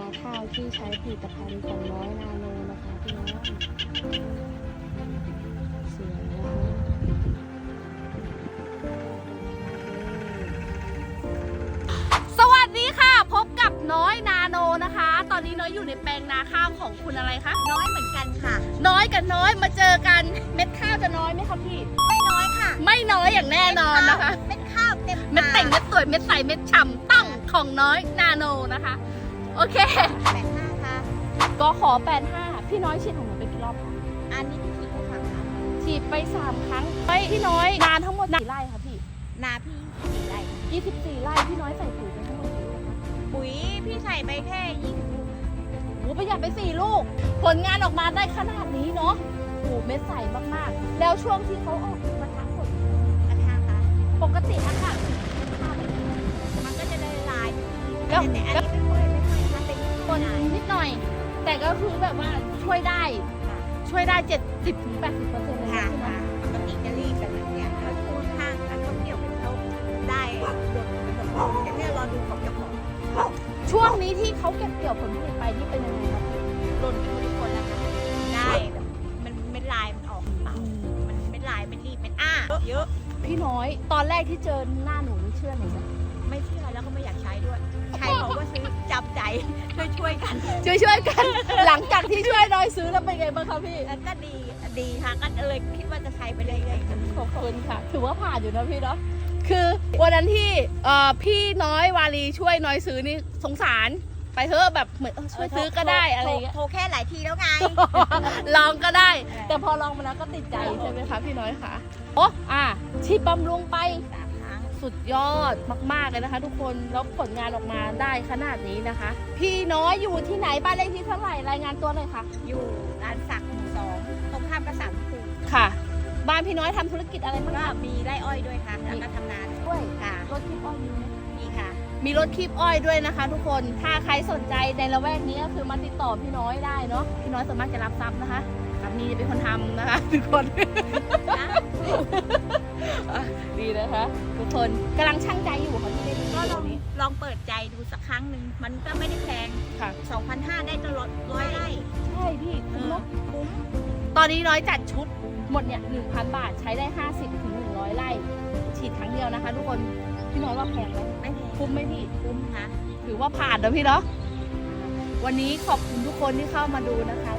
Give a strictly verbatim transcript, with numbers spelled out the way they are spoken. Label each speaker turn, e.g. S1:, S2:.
S1: ข้าวที่ใช้ผลิตภัณฑ์ของน้อยนาโนนะคะพี่น้องเสียงนะคะสวัสดีค่ะพบกับน้อยนาโนนะคะ ตอนนี้น้อยอยู่ในแปลงนาข้าวของคุณอะไรคะ
S2: น้อยเหมือนกันค่ะ
S1: น้อยกับน้อยมาเจอกันเม็ดข้าวจะน้อยไหมคะพี่
S2: ไม่น้อยค่ะ
S1: ไม่น้อยอย่างแน่นอนนะคะ
S2: เม็ดข้าวเต็ม
S1: เม็ดแต่งเม็ดสวยเม็ดใสเม็ดฉ่ำต้องของน้อยนาโนนะคะโอเค
S2: แปดห้าค่ะ
S1: ก็ขอแปดห้าพี่น้อยฉีดของหนูไปกี่รอบคะ
S2: อันนี้ที่ฉีดไปสามครั้ง
S1: ฉีดไปสามครั้งไปพี่น้อยนานทั้งหมดกี่ไร่คะพี่
S2: นาพี่สี่ไร่
S1: ยี่สิบสี่ไร่พี่น้อยใส่ปุ๋ยไปทั้งหมดกี่ลูกคะ
S2: ปุ๋ยพี่ใส่ไปแค่ยี่สิบลูก
S1: โอ้ประหยัดไปสี่ลูกผลงานออกมาได้ขนาดนี้เนาะโอ้เม็ดใสมากๆแล้วช่วงที่เขาออกปะทะผล
S2: ราคาค่ะ
S1: ปกติอะค่ะ
S2: มันก็จะได้ลายแต่อันนี้ไม่ค่อยไม่ค่อยถ้าเป็น
S1: คนนิดหน่อยแต่ก็คือแบบว่าช่วยได้ช่วยได้เจ็ดสิบถึงแปดสิบเปอร์เซ็นต์เลย
S2: ค่ะ
S1: ใช่ไหม
S2: ปกติจะรีบแบบนั้นเนี่ยแล้วคูณข้างอันเขาเกี่ยวเป็นเขาได้หมดเป็นหมดแต่เนี่ยรอดูของเจ้าของ
S1: ช่วงนี้ที่เขาเก็บเกี่ยวผลผลิตไปนี่เป็นยังไงครับ
S2: หล่นเป็นทุกคนนะคะได้แบบมันไม่ลายมันออกเปล่ามันไม่ลายไม่รีบเป็นอ้าเยอะ
S1: พี่น้อยตอนแรกที่เจอหน้าหนูนี่เชื่อหนูไหม
S2: ไม่เชื่อแล้วก็ไม่อยากใช้ด้วยใครบอกว่าซื้อจำใจช่วยช่วยกัน
S1: ช่วยช่วยกัน หลังจากที่ช่วยน้อยซื้อแล้วเป็นไงบ้างคะพี่
S2: ก็ดีดีค่ะก็เลยคิดว่าจะใช้ไปเรื่อยๆ
S1: ขอบคุณค่ะถือว่าผ่านอยู่นะพี่เนาะคือวันนั้นที่พี่น้อยวารีช่วยน้อยซื้อนี่สงสารไปเถอะแบบเหมือนช่วยซื้อก็ได้อะไรอย่างเงี้ย
S2: โทรแค่หลายทีแล้วไง
S1: ลองก็ได้แต่พอลองมาแล้วก็ติดใจใช่ไหมคะพี่น้อยค่ะโอ้อ่ะฉีดบำรุงไปสุดยอดมากๆเลยนะคะทุกคนแล้วผลงานออกมาได้ขนาดนี้นะคะพี่น้อยอยู่ที่ไหนบ้านเลขที่เท่าไหร่รายงานตัวหน่อยค่ะ
S2: อยู่ร้านสักหมู่สองตรงข้ามกระสังคู
S1: ค่ะบ้านพี่น้อยทำธุรกิจอะไรบ้าง
S2: ก็มีไร่อ้อยด้วยค่ะแล้วก็ทำนา
S1: ด้วย
S2: ค่ะ
S1: รถคีบอ้อยมีไหม
S2: มีค่ะ
S1: มีรถคีบอ้อยด้วยนะคะทุกคนถ้าใครสนใจในละแวกนี้ก็คือมาติดต่อพี่น้อยได้เนาะพี่น้อยสามารถจะรับทรัพย์นะคะสามีจะเป็นคนทำนะคะทุกคนดีนะคะทุกคนกำลังช่างใจอยู่ค่ะที่ได้ดู
S2: ก็ลอง
S1: นี้
S2: ลองเปิดใจดูสักครั้งหนึ่งมันก็ไม่ได้แพง
S1: ค่ะ
S2: สองพันห้าได้ตลอดร้อยไร่
S1: ใช่พี่คุ้มเนาะ
S2: คุ้ม
S1: ตอนนี้น้อยจัดชุดหมดเนี่ยหนึ่งพันบาทใช้ได้ห้าสิบถึงหนึ่งร้อยไร่ฉีดครั้งเดียวนะคะทุกคนพี่น้อยว่าแพงไหม
S2: ไม่แพง
S1: คุ้มไหมพี่
S2: คุ้มค่ะ
S1: ถือว่าผ่านนะพี่เนาะวันนี้ขอบคุณทุกคนที่เข้ามาดูนะคะ